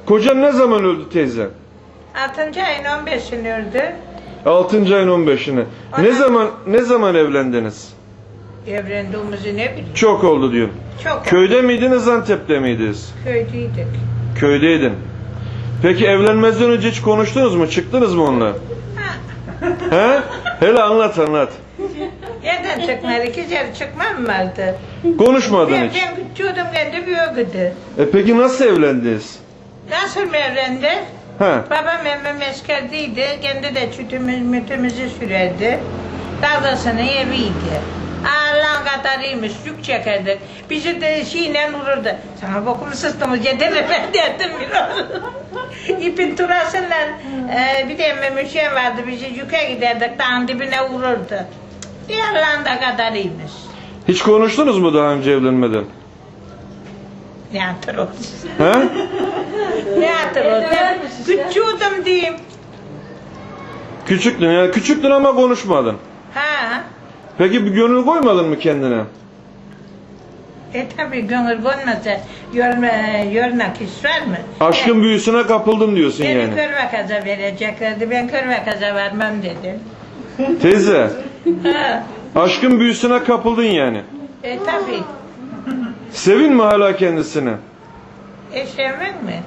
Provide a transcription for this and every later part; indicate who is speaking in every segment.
Speaker 1: Kocan ne zaman öldü teyze?
Speaker 2: 6. ayın 15'ini öldü.
Speaker 1: 6. ayın 15'ine. Ne zaman evlendiniz?
Speaker 2: Evlendiğimizi ne bileyim.
Speaker 1: Çok oldu diyorum.
Speaker 2: Çok
Speaker 1: Köyde miydiniz, Antep'te miydiniz?
Speaker 2: köydeydik.
Speaker 1: Köydeydin. Peki evlenmezden önce hiç konuştunuz mu? Çıktınız mı onunla? He? Hele anlat.
Speaker 2: Yerden çıkmadı, iki kere çıkmam vardı.
Speaker 1: Konuşmadın
Speaker 2: Ben
Speaker 1: hiç.
Speaker 2: küçüğüydüm, kendi büyüğüydü.
Speaker 1: Peki nasıl evlendiniz?
Speaker 2: Nasıl mı evlendi?
Speaker 1: He.
Speaker 2: Babam emmem askerdeydi, kendi de mütümüzü sürerdi. Dadasının eviydi. Allah'ın kadarıymış, yük çekerdik. Bizi de şeyle vururdu. Sana bokumu sıstımı cedere ben derdim biraz. İpin turasıyla bir de emmem üşüyen vardı, bizi yüke giderdik, dağın dibine vururdu. Bir Allah'ın da kadarıymış.
Speaker 1: Hiç konuştunuz mu daha önce evlenmeden?
Speaker 2: Ne hatırlıyorsun?
Speaker 1: He?
Speaker 2: Ne hatırlıyorsun? Küçüğüydüm diyeyim.
Speaker 1: Küçüktün yani, küçüktün ama konuşmadın.
Speaker 2: Ha.
Speaker 1: Peki bir gönül koymadın mı kendine?
Speaker 2: Tabii gönül konmasa yornak iş var mı?
Speaker 1: Aşkın büyüsüne kapıldım diyorsun
Speaker 2: Beni
Speaker 1: yani.
Speaker 2: körve kaza vereceklerdi, ben körve kaza vermem dedim.
Speaker 1: Teyze,
Speaker 2: Ha.
Speaker 1: aşkın büyüsüne kapıldın yani.
Speaker 2: Tabii.
Speaker 1: Sevin mi hala kendisini?
Speaker 2: Sevmek mi?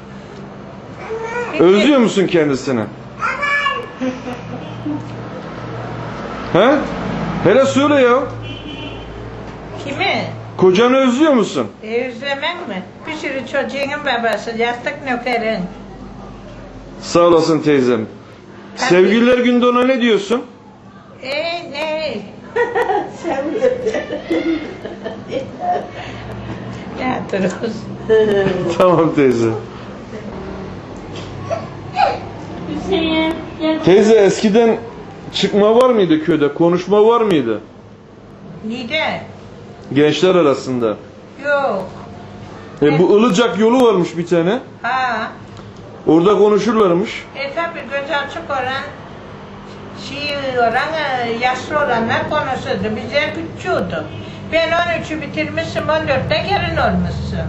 Speaker 1: Özlüyor musun kendisini? He? Hele söyle ya.
Speaker 2: Kimi?
Speaker 1: Kocanı özlüyor musun?
Speaker 2: Özlemek mi? Bir sürü çocuğun babası, yastık nökerin.
Speaker 1: Sağ olasın teyzem. Sevgililer günde ona ne diyorsun?
Speaker 2: Ne? Ne hatırlıyorsun?
Speaker 1: Tamam teyze. Teyze eskiden çıkma var mıydı köyde? Konuşma var mıydı?
Speaker 2: Nide?
Speaker 1: Gençler arasında.
Speaker 2: Yok.
Speaker 1: Bu Ilıcak yolu varmış bir tane.
Speaker 2: Ha.
Speaker 1: Orada konuşurlarmış.
Speaker 2: Tabii göz açık olan, yaşlı olanlar konuşurdu. Bizler küçüğüydü. Ben 13'ü bitirmişim, 14'te gelin olmuşsun.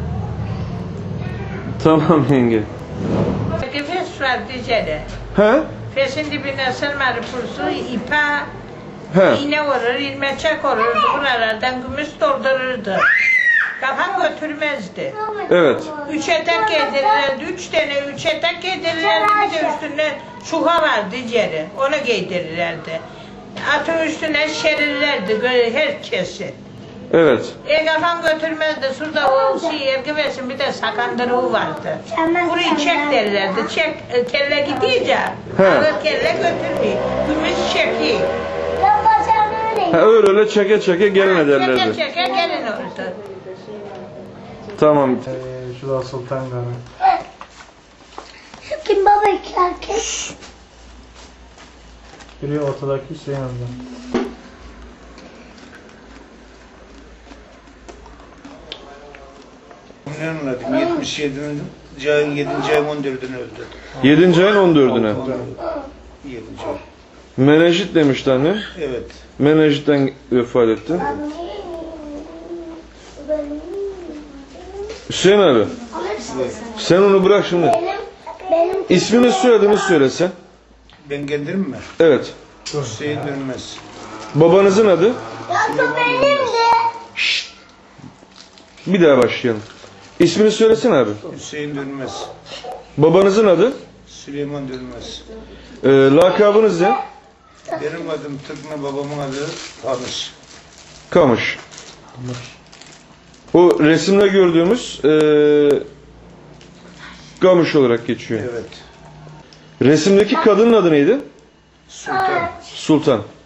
Speaker 1: Tamam yenge.
Speaker 2: Peki fes var diyeceğim.
Speaker 1: He?
Speaker 2: Fesin dibine sırmalı pulsu, ipa,
Speaker 1: He.
Speaker 2: iğne vurur, ilmeçek olurdu. Buralardan gümüş doldururdu. Kafam götürmezdi.
Speaker 1: Evet.
Speaker 2: 3 etek giydirirlerdi, 3 tane 3 etek giydirirlerdi, bir de üstünde çuha vardı yeri, onu giydirirlerdi. Atın üstüne şerirlerdi herkesi.
Speaker 1: Evet.
Speaker 2: Kafam götürmezdi, şurada o ergivesin bir de sakandırığı vardı. Burayı çek derlerdi, çek, kelle gidince, ağır kelle götürmüyor, gümüş çekiyor.
Speaker 1: Öyle çeke gelin ederlerdi.
Speaker 2: Çeke gelin oldu.
Speaker 1: Tamam.
Speaker 3: Şu da Sultan Gari.
Speaker 4: Şu kim baba iki erkek?
Speaker 3: Biri ortadaki Hüseyin amca.
Speaker 5: Ne anladım? 77'nin ayın 7. ayın 14'ünü öldü.
Speaker 1: 7. ayın 14'üne.
Speaker 5: 7. ay.
Speaker 1: Menenjit demişti anne.
Speaker 5: Evet.
Speaker 1: Menenjitten vefat etti. Hüseyin abi. Sen onu bırak şimdi.
Speaker 4: Benim
Speaker 1: İsmini soyadını söylesen.
Speaker 5: Ben kendim mi?
Speaker 1: Evet.
Speaker 5: Hüseyin Dönmez.
Speaker 1: Babanızın adı?
Speaker 4: ya benim de.
Speaker 1: Bir daha başlayalım. İsmini söylesene abi.
Speaker 5: Hüseyin Dönmez.
Speaker 1: Babanızın adı?
Speaker 5: Süleyman Dönmez.
Speaker 1: Lakabınız ne?
Speaker 5: Benim adım Tıkna, babamın adı Kamış.
Speaker 1: Kamış. O resimde gördüğümüz Kamış olarak geçiyor.
Speaker 5: Evet.
Speaker 1: Resimdeki kadının adı neydi?
Speaker 5: Sultan.
Speaker 1: Sultan.